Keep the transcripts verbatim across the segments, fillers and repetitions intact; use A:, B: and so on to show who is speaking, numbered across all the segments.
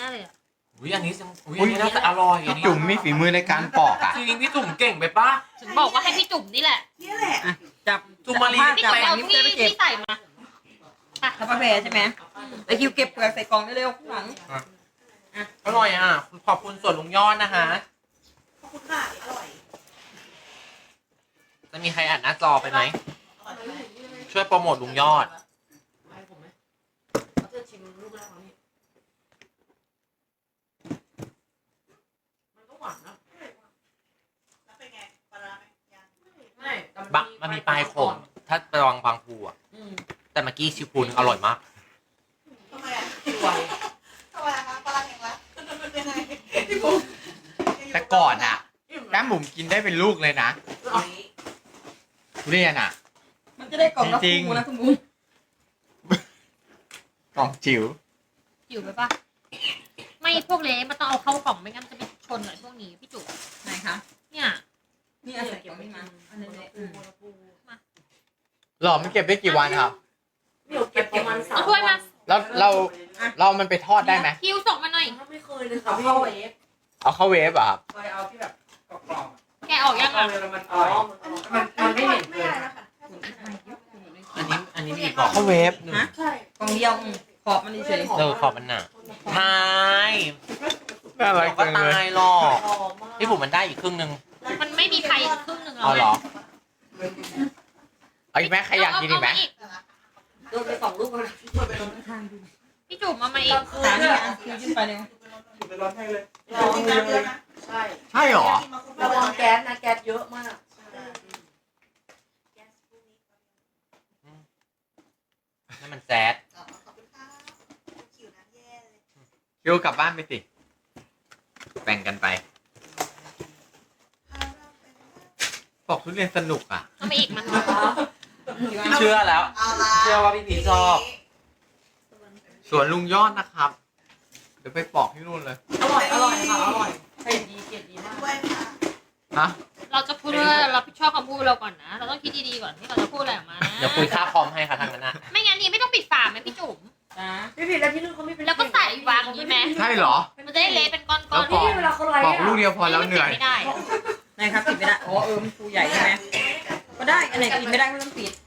A: น่เลยอ่ะ
B: อุ้ยอันนี้อุ้ยอันนี้น่าจะอร่อยอันนี้
C: จุ๋มมีฝีมือในการปอกอ่ะ
B: จริงพี่จุ๋มเก่งไปปะ
A: ถึงบอกว่าให้พี่จุ่มนี่แหละ
D: นี่แหละ
E: จับ
B: จุ๋มมาลี
A: พี่
E: จับ
A: จุ่ม
E: แป้
A: เอา
E: ง
A: ที่
E: นี่เก็บ
A: ที่ใส่มา
E: ทับกาแฟใช่ไหมไอคิวเก็บเปลือกใส่กล่องเร็วๆข้างหลัง
B: อร่อยอ่ะขอบคุณส่วนลุงยอดนะคะ
D: ขอบคุณค่ะอร่อย
B: จะมีใครอ่านหน้าจอไปไหมช่วยโปรโมทลุงยอดบักมันมีปลายขมถ้าไประวังบางภูอ่ะแต่เมื่อกี้ชิวพูนอร่อยมาก
D: ทำไมอ่ะสวยทำไมอ่ะคะปลาแข็งละเป็นไงพี่บุ๊ค
C: แต่ก่อนอ่ะแก้มบุ๋มกินได้เป็นลูกเลยนะทุเรียนอ่ะ
E: มันจะได้กล่องละ
C: จริง
E: คู่นะคุณบุ้ง
C: กล่องจิ๋ว
A: จิ๋วไปปะไม่พวกเล็กมันต้องเอาเข้ากล่องไม่งั้นมันจะไปชนหน่อยพวกนี้พี่จุ๋ม
E: ไหนคะ
A: เนี่ย
E: นี่เอาใส่กล่องนี้มาอันนี้เลยอืม
C: หรอมันเก็บได้กี่วันครับ
D: เดี๋ยวเก็บประมาณสาม
A: เอาถ้วยมา
C: แล้วเราเรามันไปทอดได้ไหม
A: คิวส่งมาหน่อย
D: ไม่เคยเลยค่ะพี่เข้าเอฟ
C: เอาเข้าเวฟอ่ะครับ
E: เคยเอาที่แบบกรอบ
A: แกะออกยังอ่ะ
D: อ๋อมันมันไม่เห็นเลยนะคะ
B: อันนี้อันนี้มีกรอบ
C: เข้าเวฟ
E: ๆฮะ
D: ใช่
E: กล่องเดียวอืมขอบมันเฉย
B: เออขอบมันหนาทาย
C: น่ารัก
B: ก็
C: จังเลย
B: ตายหรอก
D: หอมมาก
B: พี่ผมมันได้อีกครึ่งนึง
A: มันไม่มีใครครึ่งหนึ่ง
B: เอาเหรอ
C: เอาอีกไหมใครอยากกินอีกไหม
D: โดนไปสองลูกแล้ว
A: พี่จุ๋มมามาอีก
E: ๆสามนี่อ่ะคิวขึ้นไปเร็ว
D: รอจริงจังเลยนะใช่
C: ใช่หรอ
D: ระวังแก๊สนะแก๊สเยอะมาก
B: นั่นมันแซด
C: คิวกลับบ้านไปสิแบ่งกันไปบอกทุเรียนสนุกอ่ะ
A: เอามาอีกมา
B: เชื่อแล้ว เชื่อว่าพี่พีชอบ
C: สวนลุงยอดนะครับ เดี๋ยวไปปอกที่นู่นเลย
D: อร่อยอร่อยค่ะอร่อยเผ็ดดีเผ็ดดีมาก
C: ฮะ
A: เราจะพูดว่าเราผิดชอบคำพูดเราก่อนนะ เราต้องคิดดีๆก่อนที่เราจะพูดอะไรออกมานะ
B: เดี๋ยวคุยค่าคอมให้ค่ะทางนั้นนะ
A: ไม่งั้นนี่ไม่ต้องปิดฝาไหมพี่จุ๋ม
E: จ้า
D: พี่ผิดแล้วที่นู่นเขาไม่เป็น
A: แล้วก็ใส่วางอย่างนี้ไหม
C: ใช่เหรอ
A: มันจะได้เละเป็นก้อน
C: แล้ว
A: ๆ
C: ปอก
D: ที่เวลาเขาไลฟ์
C: ปอกลูกเดียวพอแล้วเหนื่อย
A: ไม่ได้
E: ไหนครับปิดไม่ได้อ๋อเออมันฟูใหญ่ใช่ไหมก็ได้อันไหนปิดไม่ได้ก็ต้องปิด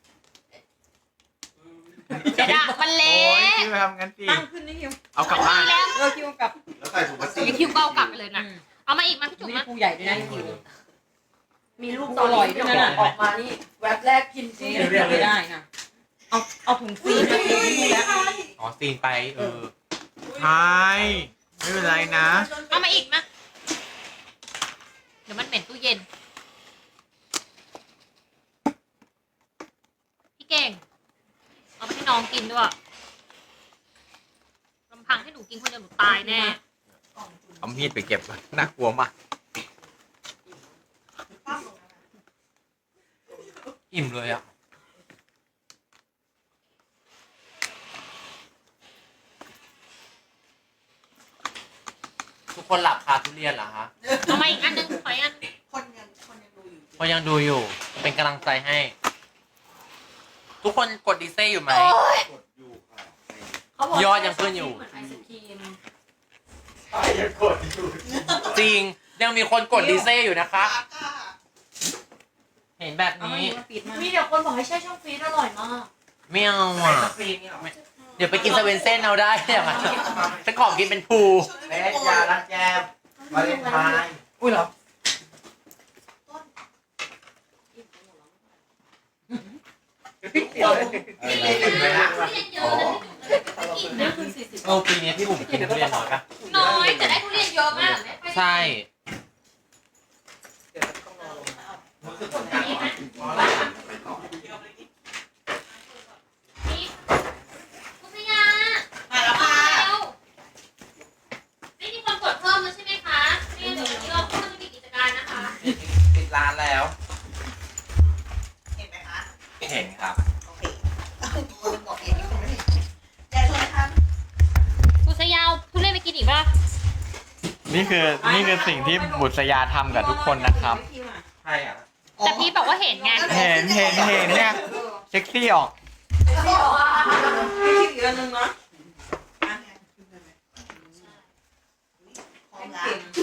A: เดี๋ยวด่ามัน
C: โอ้
A: เละ
C: ยคิวทำงั้นสิ
E: ตั้งขึ้นนี่คิว
C: เอากลับบ้าน
A: แล้ว
E: เออคิวกลับ
F: แล้วใส่ถุงพลาสติก
A: มีคิวเบากลับไปเลยนะ
E: อืม
A: เอามาอีกมาพี่จุ๋ม
E: มี
A: มา
E: ฟูใหญ่ด้วยนะคิว
D: มีลูกตอนนี้ที่ออกมานี่แวบแรกกิน
E: นี่
D: ที่
E: เรียกไม่ได้ค่ะเอาเอาถุงซีนมาติดนี่แล้ว
B: อ๋อซีนไปเออ
C: ใช่ไม่เป็นไรนะ
A: เอามาอีกมาเดี๋ยวมันเหม็นตู้เย็นพี่เก่งเอาไปให้น้องกินด้วยลำพังให้หนูกินคนเดียวหนูตายแน่
C: เอามีดไปเก็บน่ากลัวมาก
B: อิ่มเลยอ่ะทุกคนหลับคาทุเรียนเหรอคะ
A: เอามาอีกอันนึงขออีกอัน
D: คนยังคนยังดูอยู่
B: เพราะยังดูอยู่เป็นกำลังใจให้ ทุกคนกดดีเซ่อยู่ไหม
F: กดอยู่ค่ะ
B: ยอดยังขึ้นอยู่
D: เหมือนไอศครีม
F: ใช่ยังกดอยู่
B: จริงยังมีคนกดดีเซ่อยู่นะคะ เห็นแบบ
E: เอามา
B: นี้
E: อีกมาปิดมา
D: มีเดี๋ยวคนบอกให้แช่ช่องฟรีซอร่อยมาก
B: ไม่เอาอ่ะเดี๋ยวไปกินสเวนเซ่นเอาได้อย่างนั้นฉันขอกินเป็นภู
F: เล็ยาลักแจมวาเลนไทน์
B: อุ้ยเหรอ
F: เอออิ่มเลยนะ
D: นี่คือสี่สิบ
B: เออปีนี้พี่บุ๋มกินทุเรียนน้อยปะ
A: น้อยแต่ได้ทุเรียนเยอะมาก
B: ใช่
A: นี่คุณพยา
D: มาแล้วค่ะ
A: ไม่มีคนกดเพิ่มแล้วใช่ไหมคะเนี่ยเดี๋ยววันนี้เราก็จะมีกิจการนะคะ
B: ปิดร้านแล้ว
D: เห็นไหมคะ
B: เห็นครับ
D: โอเคคนบอกเองนี่คนไม่เห็นยายชวนนะคะ
A: คุณสยาวทุเรียนไปกินอีกป่ะ
C: นี่คือนี่คือสิ่งที่บุษยาทำกับทุกคนนะครับ
B: ใช่อ่ะ
A: แต่พี่บอกว่าเห็นไง
C: เห็นเห็นเห็นเนี่ยเซ็กซี่ออก
E: ไม่คิดอีกอันหนึงนะ
D: ละ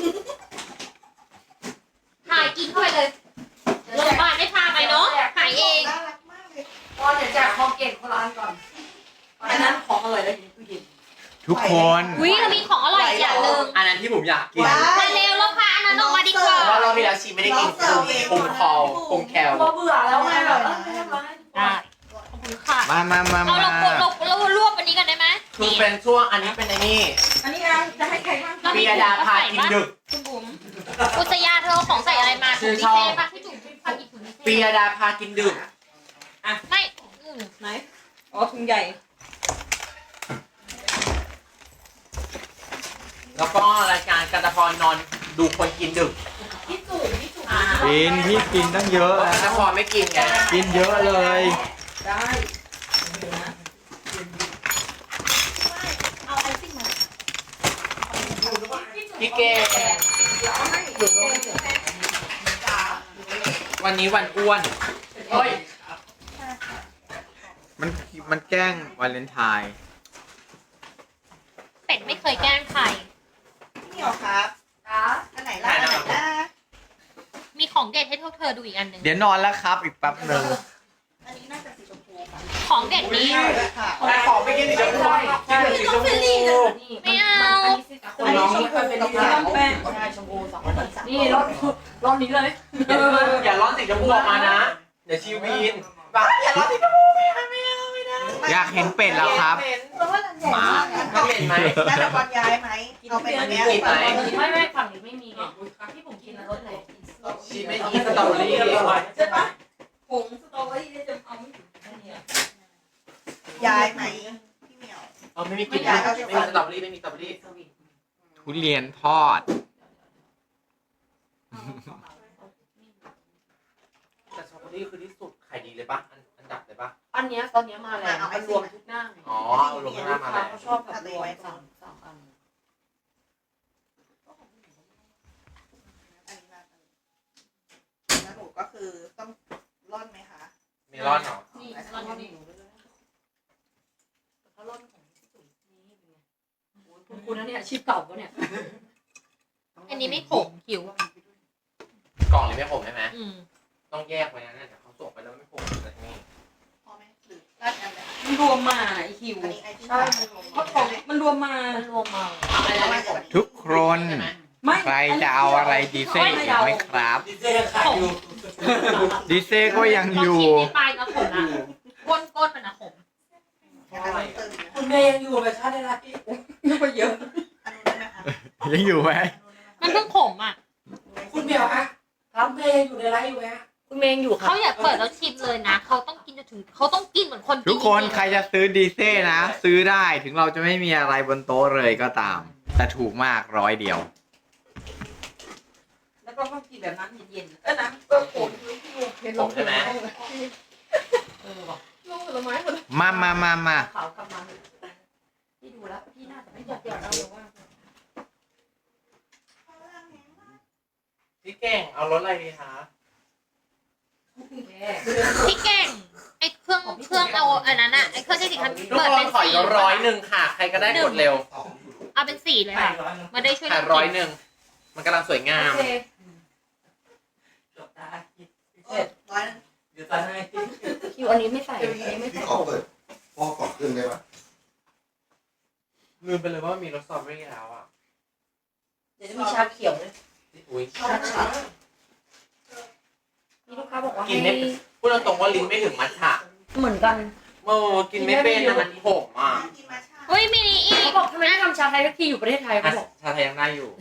A: ถ่ายกินเข้าไปเลยโรงพยาบาลไม่พาไปเนาะหายเอง
D: น่ารักมากเลย
F: พอเดี๋ยวแจกคอมเกตคนละอันก่อน
E: อันนั้นของอร่อยแล้วอยู่ในตู้เย็น
C: ทุกคน
A: วิเรามีของอร่อยอีกอย่างหนึ่ง
B: อันนั้นที่ผมอยากกิน
A: มาเร็วแล้วพาอันนั้นออกมาดีกว่า
B: เพราะว่าเราที่แล้วชีไม่ได้กินคือปุงคอลปุงแคล
F: พอเบื่อแล้วไงแบบเออไม่ได้มาให้ทุกคน
A: ได้ขอบคุณค่ะ
C: มามามา
A: เรา
C: มา
A: เราเราเรารวบอันนี้กันได้ไหม
B: คือเป็นช่วงอันนี้เป็นไอ้นี่
E: อันนี้อ่ะจะให้ใครบ้าง
A: เรา
B: ปี
A: มี
B: ยดาพากินดึก
A: คุณบุ๋มอุตยาเธอเอาของใส่อะไรมา
B: ชื่
A: ถุง
B: อ
A: ดี
B: ช่อง
A: เซ่ปะพี่จุ๋มพากินถุงดีเซ่
B: ปียดาพากินดึก
A: ไม่อืม
E: ไหนอ๋อถุงใหญ่
B: แล้วก็รายการกันตะพรนอนดูคนกินดึก
F: พี่จุ๋มพี่จุ๋ม
C: กินพี่กินตั้งเยอะ
B: กันตะพรไม่กินไง
C: กินเยอะเลย
E: ได้เดี๋ยวนะ
D: เอาไอซิ่งมา
B: พี่เกด
E: เดี๋ยวเอาให้เดี๋ยวเอาให้
B: วันนี้วันอ้วนเฮ้ย
C: มันมันแกล้งวาเลนไทน์
A: เป็ดไม่เคยแกล้งใคร
D: พี่เหนียวครับ
F: จ้า
D: อันไหนล่ะอันไหนล่ะ
A: มีของเด็ดให้พวกเธอดูอีกอันหนึ่ง
C: เดี๋ยวนอนแล้วครับอีกแป๊บหนึ่ง
D: อันนี้น่าจะสีชมพูค่ะ
A: ของเด็ดนี้
D: ค่ะ
B: แต่ขอไม่กินสีชมพูกินแต่สีชมพู
A: ไม่เอา
F: อันนี้ชมพูเป็นสีน้ำแป้งใช่ชมพูสองคนนี่รอบรอบนี้เลย
B: อย่าร้อนสีชมพูออกมานะ เดี๋ยวชีวีนแบบอย่าร้อนสีชมพูไม่เอาไม่เอาไม่ได้
C: อยากเห็นเป็ดแล้วครับ
D: เพราะว่ารันใหญ่มาก
B: ไม่เห็นไหม
D: น่าจะบอลย้ายไหมเอาไปอันเนี้ย
B: กินไหม
F: ไม่ไม่ฝั่งนี้ไม่มีไงที่ผมกินรสไหน
B: ชีไม่กินสตรอเบอรี่
E: ใช่ปะผงสตรอเบอรี่เนี่ยจะเอาไม่ถึงแค่นี้
D: ย้ายไหมพี่เหนียว
B: เอาไม่มีกินไม่มีสตรอเบอรี่ไม่มีสตรอเบอรี่
C: ทุเรียนทอด
B: แต่สตรอเบอรี่คือที่สุดขายดีเลยปะอันอันดับเลยปะ
F: อันเนี้ยตอนเนี้ยมาแล้วมันรวมทุกหน้า
B: อ๋อเอาลงหน้ามาแล้ว
F: เขาชอบแบบรวมสามสามอัน
D: อันนี้มาแล้วหนูก็คือต้องร่อนไหมคะ
B: มีร้อนเหรอ
F: นี่ร้อนนี่เขาล่นของพี่จุ๋มนี่เป็นไงคุณคุณนะเนี่ยอาชีพเก่าปะเนี่ย
A: อันนี้ไม่ขมหิว
B: กล่องนี้ไม่ขมใช่ไหม
A: อืม
B: ต้องแยกไว้นะเนี่ยเดี๋ยวเขาส่งไปแล้วไม่ขมเลยนี่
D: พอไหมหรือราดอันไหน
E: มันรวมมาไอ้หิว
D: อันนี้ไอที่
F: ใช่
E: เพราะของมันรวมมา
F: มันรวมมา
B: อะไรไม่ขม
C: ทุกคน
B: ใช่ไหม
E: ไม่
C: ใครจะเอาอะไรดีเซ่อีกไหมครับ
B: ดีเจขายอยู่
C: ดีเซ่ก็ยัง
A: ลอง
C: อยู่
A: ชิมในปลายก็ขมนะก้นก้นมันนะขม
D: อันนั้นตึงนะ
F: คุณเมย์ยังอยู่เลยชาติได้ละ
E: นึกว่าเยอะ
D: อันนู้นได้ไหมคะ
C: ยังอยู่ไหม
A: มันเพิ่งขมอ่ะ
F: คุณเมียวคะครับเมย์อยู่ในไลฟ์อยู่ไหมคุณเมย์อยู่ค่ะ
A: เขาอยากเปิดแล้วชิมเลยนะ เขาต้องกินจนถึงเขาต้องกินเหมือนคนกิน
C: ทุกคน
A: จริงๆ
C: ใครจะซื้อดีเซ่นะ ซื้อได้ถึงเราจะไม่มีอะไรบนโต๊ะเลยก็ตาม แต่ถูกมากร้อยเดียว
E: แล้วก็ต้องกินแบบน้ำเย็นๆเออน้ำเปรี้ยวโผล่ที่เย็น
B: ขมใช่ไหม
F: เออว่ะ
E: ลงผลไม้หมด
C: มามามามา
F: ขาวกลับมาพี่ดูแล้วพี่น่าจะไม่จัดเดี๋ยวเราเลยว่า
B: พี่เก่งเอารถอะไรดีคะ
A: พี่เก่งไอ้เครื่องเครื่องเอาอันนั้นอะไอ้เครื่องที่สิคัน
B: ทุก
A: เปิด
B: ค
A: เป็น น
B: ขอ
A: สี
B: อีกร้อยหนึ่งค่ะ ใครก็ได้กดเร็ว
A: เอาเป็นสีเลยค่ะมาได้ช่วย
B: ค่ะ
A: กัน
B: ร้อย
A: กิน
B: หนึ่งมันกำลังสวยงาม
F: โอเค
D: ร้อยนึง
B: เดี๋ยวจะให้
F: คิวอันนี้ไม่ใส่อันนี้ไม่
G: พี่
F: ใส่
G: ขอเปิดพ่อก่อนขึ้นได้ปะ
B: ลืมไปเลยว่ามีรสสตรอเบอรี่แล้วอ่ะ
F: เดี๋ยวจะมีชาเขียวเลย
B: อุ้ย
F: ชาชามีลูกค้าบอกว่า
B: กิน
F: ให้
B: ไม่พูดตรงๆว่าลิ้นไม่ถึงมัทฉะ
F: เหมือนกัน
B: โอ้กินไม่เป็นนะมันขมอ่ะ
D: น่ากินมาชา
A: เฮ้ยมีอี
F: เขา
A: ก
F: บอกทำไมไม่ทำชาไทยสักทีอยู่ประเทศไทยเขาบอก
B: ชาไทยยังได้อยู่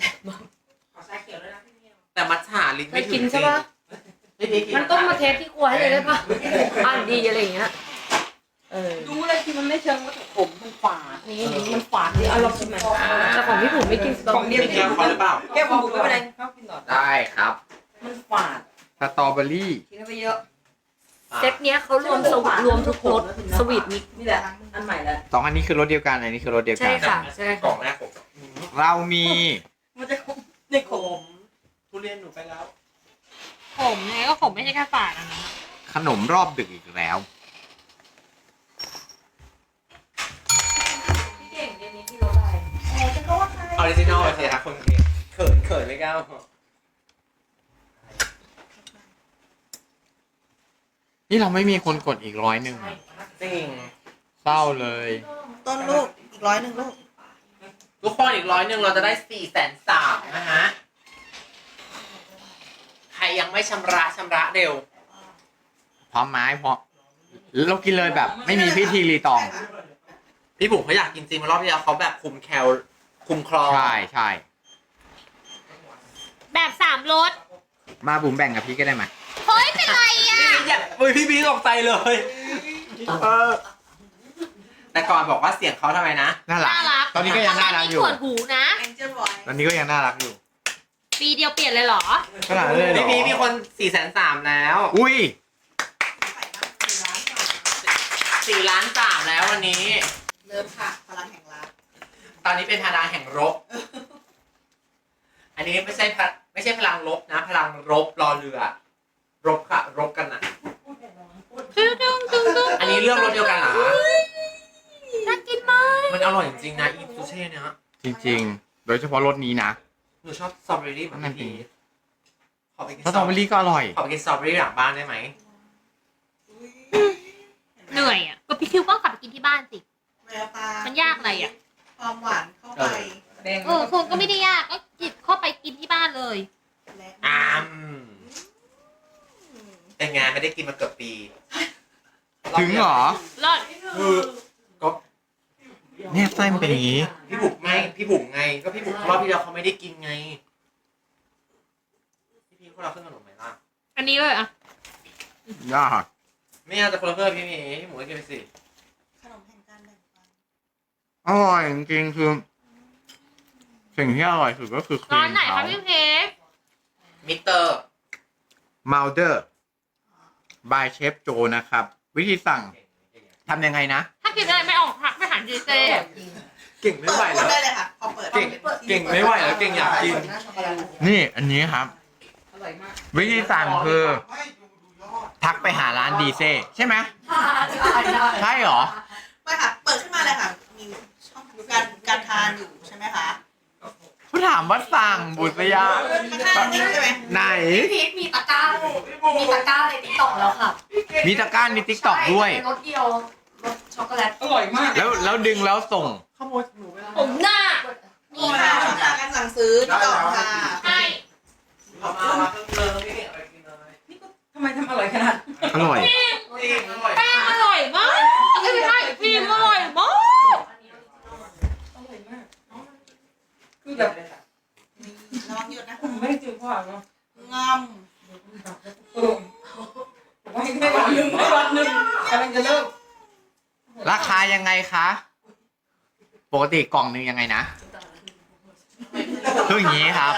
B: แต่มัทฉะลิ้น
F: เค
B: ไม่
F: ย
B: ถึง
F: กินใช่ปะ
B: ไม่ได้กิน
F: มันต้องมาเทสที่ครัวให้เลยได้ปะอ่านดีอะไรอย่างเงี้ยเออ
E: ดูเลยที่มันไม่เชิงว่าขมมันฝาด
F: นี่นี่มันฝาดดิเอาลองชิมหน่อยแต่ของพี่ผมไม่กินสตรอ
E: ของ
F: เบอ
E: เดี
F: รี่
E: ยว
B: แก้วเขาหรือเปล่า
E: แก้วผมไม่เป็นไรเข้ากินต่อ
C: ได้ครับ
E: มันฝาด
C: สตรอเบอรี่
E: กินไปเยอะ
F: เซตเนี้ยเขารวมสวีทรวมทุกรสสวีทมิก
E: นี่แหละอันใหม่แล้ว
C: สองอันนี้คือรสเดียวกัน อันนี้คือรสเดียว
F: ใช่
C: กัน
F: ค่ะใช่
B: กล่
F: ค่ะ
B: องแรกผม
C: เรามี
E: มันจะขมในข
B: ผม มทุเรียนหนูไปแล้ว
A: ขมไงก็ขมไม่ใช่แค่ฝาดอันนั้นอะ
C: ขนมรอบดึกอีกแล้ว
E: พี่เก่งเดี๋ยวนี้พี่รสอะไร
D: เออจะก็ว่าใคร
B: ออริจินอลเลยสิคะคนเคขินเขินไม่กล้า
C: นี่เราไม่มีคนกดอีกร้อยหนึ่ง
B: จริง
C: เศร้าเลย
D: ต้นลูกอีกร้อยหนึ่งลูก
B: ทุกคนอีกร้อยหนึ่งเราจะได้สี่แสนสามนะฮะ ใครยังไม่ชำระชำระเร็ว
C: พร้อมไม้พร้อมเรากินเลยแบบ ไม่มีพิธีรีตอง
B: พี่บุ๋มเขาอยากกินจริงมารอบที่แล้วเขาแบบคุมแคลคุมคลอ
C: ใช่ใช่
A: แบบสามรส
C: มาบุ๋มแบ่งกับพี่ก็ได้ไหม
A: เฮ้ยเป็นไรอ่ะ
B: อย่าเฮ้ยพี่บีตกใจเลยเออแต่ก่อนบอกว่าเสียงเขาทำไมนะ
C: น่ารัก
A: น่ารัก
C: ตอนนี้ก็ยังน่ารักอยู่
A: ส่วนหูนะ
D: แองเจิลบอย
C: ตอนนี้ก็ยังน่ารักอยู่
A: ปีเดียวเปลี่ยนเลยเหรอ
C: ขนาดนั้นเลยเหร
B: พี่
C: อ
B: บีมีคนสี่แสนสามแล้ว
C: อุ้ย
B: สี่ล้านสามแล้ววันนี้
D: เริ่มค่ะพลังแห่งรัก
B: ตอนนี้เป็นพลังแห่งรบ อันนี้ไม่ใช่พะไม่ใช่พลังลบนะ พลังรบรอเรือ รบค่ะ รบกันนะ
A: ตึ้งตึ้งตึ้งตึ้ง
B: อันนี้เรื่องรสเดียวกันเหรอ
A: น่ากินมาก
B: มันอร่อยจริงๆนะอีซูเช่เนี่ย
C: จริงๆ โดยเฉพาะรสนี้นะ
B: หนูชอบสตรอเบอรี่เหมือน
C: นั่นจริ
B: พี่
C: ง
B: ขอไปกิน
C: สตรอเบอรี่ก็อร่อย
B: ขอไปกินสตรอเบอรี่หลังบ้านได้ไหม
A: เหนื่อยอ่ะก็พี่คิวก็กลับไปกินที่บ้านสิ
D: แววตา
A: มันยากอะไรอ่ะ
D: ความหวานเข้าไป
E: แดง
A: เออคงก็ไม่ได้ยากก็จิบเข้าไปกินที่บ้านเลย
D: และ
B: อ้ามแต่งานไม่ได้กินมาเกือบปี
C: ถึงเหรอ
A: รอด
B: คือก็
C: เนี่ยไส้มันเป็นอย่างนี้
B: พี่บุ๋มไงพี่บุ๋มไง ก็พี่บุ๋มรอบที่แล้วเขาไม่ได้กินไง พี่พีพวกเราขึ้นขนมไหมล่ะ
A: อันนี้เลยอ่ะ
C: ยาก
B: ไม่เอาแต่คนละเพื่อนพี่มีพี่หมูก็กินไปสิ
D: ขนมแห่งการแบ่งปัน
C: อร่อยจริงๆคือ สิ่งที่อร่อยสุดก็คือครี
A: ร้าน
C: ม
A: ไหน
C: เขา
A: คะพี่เพชร
B: มิสเตอร์
C: มาลเดอร์บายเชฟโจนะครับ วิธีสั่งทำยังไงนะ
A: ถ้ากินอะไรไม่ออกพักไม่หันดีเจ
B: เก่งไม่
D: เปิ
B: ไหว
D: ด
B: แล้ว
D: ได้เลยค่ะพอเปิด
B: เก่งเก่งไม่ไหวแล้วเก่งอยากกิน
C: นี่อันนี้ครับ
E: อร่อยมาก
C: วิธีสั่งคือ ทักไปหาร้านดีเซ่ใช่ไหมใช่เหรอ
D: ไม่ค่ะ เปิดขึ้นมาเลยค่ะ มีช่องการการทานอยู่ใช่ไหมคะ
C: เขาถามว่าสั่งบุษยา
D: ข้างๆนี้ใช่ไหม
C: ไหน
F: พีทมีตะกร้าเลยมีตะกร้าในติ๊กต็อกแล้วค่ะ
C: มีตะกร้าในทิกตอกด้วย
F: ใช่รสเดียวรสช็อกโกแลต
E: อร่อยมาก
C: แล้วแล้วดึงแล้วส่ง
B: ขโมยหนูไปแล้ว
F: ผมหน้า
D: มีค่ะช่องทางการสั่งซื้อที่ต่อค่ะ
A: ใช่
B: เอามามาเพิ่มเติมพี่เก่งเอาไปกินเลย
E: นี่ก็ทำไมทำอร่อยขนาด
C: อร่อย
B: จริงอร่อย
A: แป้งอร่อยมากเอ้ยไม่ใช่ครีมอร่อยมาก
E: อร่อยมากคือแบบ
D: ระวังหยุดนะ
E: ผมไม่ได้เจอพ่อเนาะ
D: งอม
E: เออผมว่าให้วันหนึ่งให้วันหนึ่งกำลังจะเลิก
C: ราคายังไงคะ ปกติกล่องหนึงยังไงนะคืออย่างนี้ครับ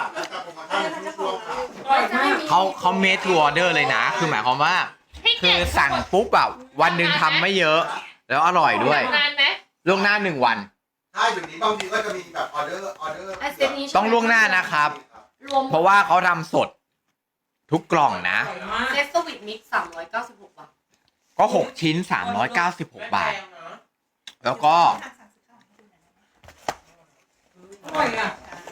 E: อร่อยมาก
C: เขาเขาเมท to order เลยนะ คือหมายความว่า
A: พี่
C: คื
A: เก่
C: อง สั่งปุ๊บแบบวันหนึ่งทำไม่เยอะ แล้วอร่อยด้วย
A: นานไหม
C: ล่วงหน้าหนึ่งวัน
G: ใช่เดี๋ยวนี้บางทีก็จะมีแบบออเดอร์ออเดอร์
F: ไอเซตนี้
C: ต้องล่วงหน้านะครับ
F: รวม
C: เพราะว่าเขาทำสดทุกกล่องนะ
E: อร่อยมาก
F: เซตสวิตมิกซ์สามร้อยเก้าสิบหกบาท
C: ก็หกชิ้นสามร้อยเก้าสิบหกบาท แล้วก็
E: อร่อยอ่ะ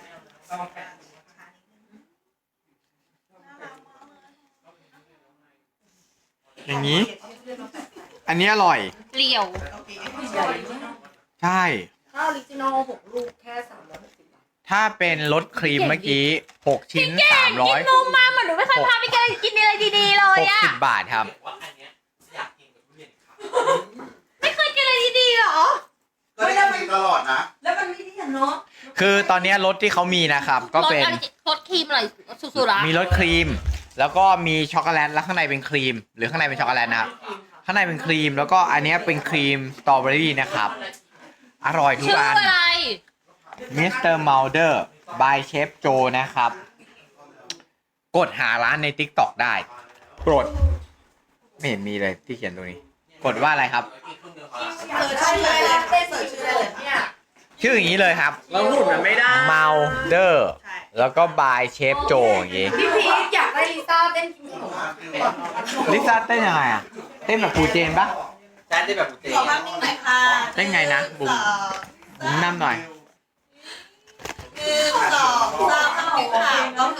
C: อย่างนี้ อันนี้อร่อย
A: เปลี่ยว
D: โอเค
E: ใหญ่มาก
C: ใช่
F: ถ้าออริจินอลหกลูกแค่สามร้อยหกสิบบาท
C: ถ้าเป็นรสครีมเมื่อกี้หกชิ้นสามร้อย
A: กินนมมาเหมือนหนูไม่เคยพาไปกินอะไรดีๆเล
C: ห
A: ย
C: ก
A: อ่ะ
C: สิบบาทครับ
B: ว่าอันเนี้ยอยากกินกับทุเรียนครับ
A: ไม่เคยกินอะไรดีๆหรอ
G: ก็ได้กินตลอดนะ
E: แล้วมันไม่ได้อย่างเนาะ
C: คือตอนนี้รสที่เขามีนะครับ ก็เป็น
A: รสอะไรรสครีมอะไรสุดๆละ
C: มีรสครีม แล้วก็มีช็อกโกแลตแล้วข้างในเป็นครีม หรือข้างในเป็นช็อกโกแลตนะครับ ข้างในเป็นครีม แล้วก็อันเนี้ยเป็นครีมสตรอเบอรี่นะครับ อร่อยทุก
A: ชื่อ
C: อัน
A: อะไร
C: มิสเตอร์มาลเดอร์ by เชฟโจนะครับ กดหาร้านใน ติ๊กต็อก ได้ กด ไม่เห็นมีเลยที่เขียนตรงนี้ กดว่าอะไรครับ
D: เสิร์ชชื่อได้เลยเสิร์ชชื่อได้เลยเนี่ย
C: ชื่ออย่างนี้เลยครับ
B: เราหุ่นมันไม่ได้
C: มาลเดอร์
D: ใช่
C: แล้วก็ by เชฟโจอย่างงี้
F: พี่พีทอยากได้ลิซ่าเต้นกินขนม
C: ลิซ่าเต้นยังไงอ่ะ เต้นแบบครูเจนปะ
B: ใช่ได้แบบเจ๊
D: ขอภาพนิ่งหน่อยค่ะ
C: ได้ไงนะบุ๋ม
D: หนึ่งสอง
C: บุ๋มนำหน่อย
D: หนึ่งสองสาม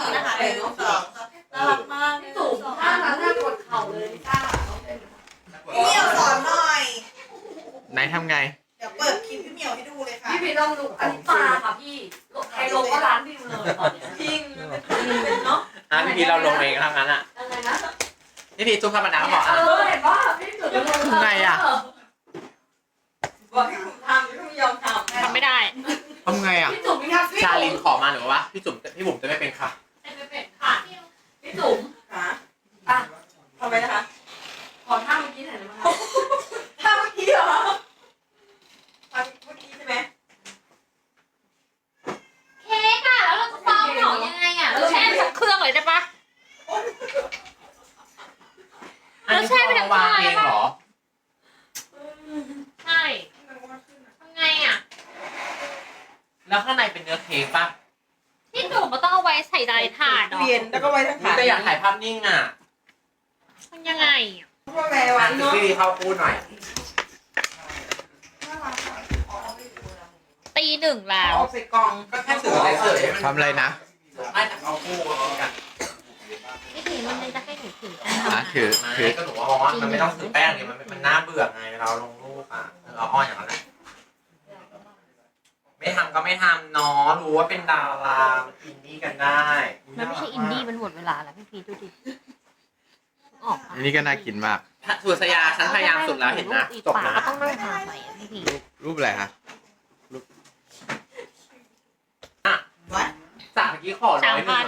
D: อนนะคะหนึ่งสองน่ารักมาก
F: พี่จุ๋มถ้านั้นถ้ากดเข่าเลยลิซ่า
D: พี่เหมียวสอนหน่อย
C: ไหนทำไง
D: เดี๋ยวเปิดคลิปพี่เหมียวให้ดูเลยค่ะ
F: พี่พี่ลองดูอันนี้ปลาค่ะพี่ใครลงก็ร้านวิวเลยตอนเนี้ย
D: จริงเป็นเนาะ
B: อ่ะพี่พีเราลงเองทั้งนั้นอ่ะ
F: อะไรนะ
B: พี่พีจุ๊บธรรมดาก็บอก
F: เอ
B: อ่ะ
F: อเห็นว่าพี่จุ๋มจะลง
C: ไงอะ
D: บอกให้ผมทำพี่ไม่ยอมทำ
A: ทำไม่ได้
C: ทำไงอ่ะ
F: พี่จุ๋มมีทักซี่
B: ชาลินขอมาหรือว่าพี่จุ๋มพี่บุ๋มจะไม่เป็นค่ะ
A: ไม่เป็นค่ะ
F: พี่จุ๋ม
D: ค่ะ
F: อ่ะ
D: ทำไมนะคะ
F: ขอท่าเมื่อกี้หน่อยได้ไหมคะ
D: ถ้าเมื่อกี้เหรอทำเมื่อกี้ใช่ไหม
A: เค้กอะแล้วเราจะซ้อมหนอยังไงอะเราแช่ไปสักเครื่องเลยได้ปะ
B: อันนี้คือเอาวางเองเหรอ
A: ใช่ทำไงอะ
B: แล้วข้างในเป็นเนื้อเค้กป่ะ
A: ที่จุ่มมันต้องเอาไว้ใส่ใดถาดเนาะ
D: เรียนแล้วก็ไว้ทั้งขา
B: แต่อยากถ่ายภาพนิ่งอ่ะ
A: มันยังไงอะ
D: พวกแม่
B: วั
D: วัน น
B: พี่
D: เนาะ
B: พีเข้าพูดหน่อย
A: ตีหนึ่งแล้ว
D: ออกใส่กล่อง
B: ก็แค่สื่อเฉยๆ
C: ทำอะไรนะ
B: ไม่แต่เอาคู่กัน
A: ไม่ถึงมันเลยจะให้หนูถือกัน
C: อ่ะถือ
B: ไม่
C: ถือ
B: ก็หนูว่ามองว่ามันไม่ต้องถือแป้งเนี่ยมันมันน่าเบื่อไงเวลาเราลงรูปอ่ะเราอ้อนอย่างนั้นแหละไม่ทำก็ไม่ทำเนาะรู้ว่าเป็นดาราอินดี้กันได้
A: มันไม่ใช่อินดี้มันหมดเวลาแล้วพี่พีดูดิออก
C: อันนี้ก็น่ากินมาก
B: สุสยาฉันพยายามสุดแล้วเห็นนะจบ
A: ปาก
B: นะ
A: ก็ต้องนั่งทานใหม่อะพี่พี
C: รูปอะไรคะ
D: วัด
B: จากเมื่อกี้ขอร้
A: สา
B: อ
A: ม
B: ยหนึ่
A: พั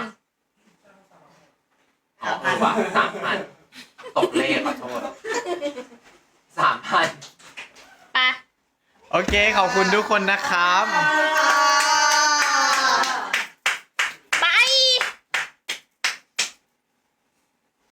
B: ง
A: น
B: อ๋อเออว่ะสามพันตกเลขขอโทษสามพัน
A: ไป
C: โอเค ขอบคุณทุกคนนะครับ
D: ค่ะ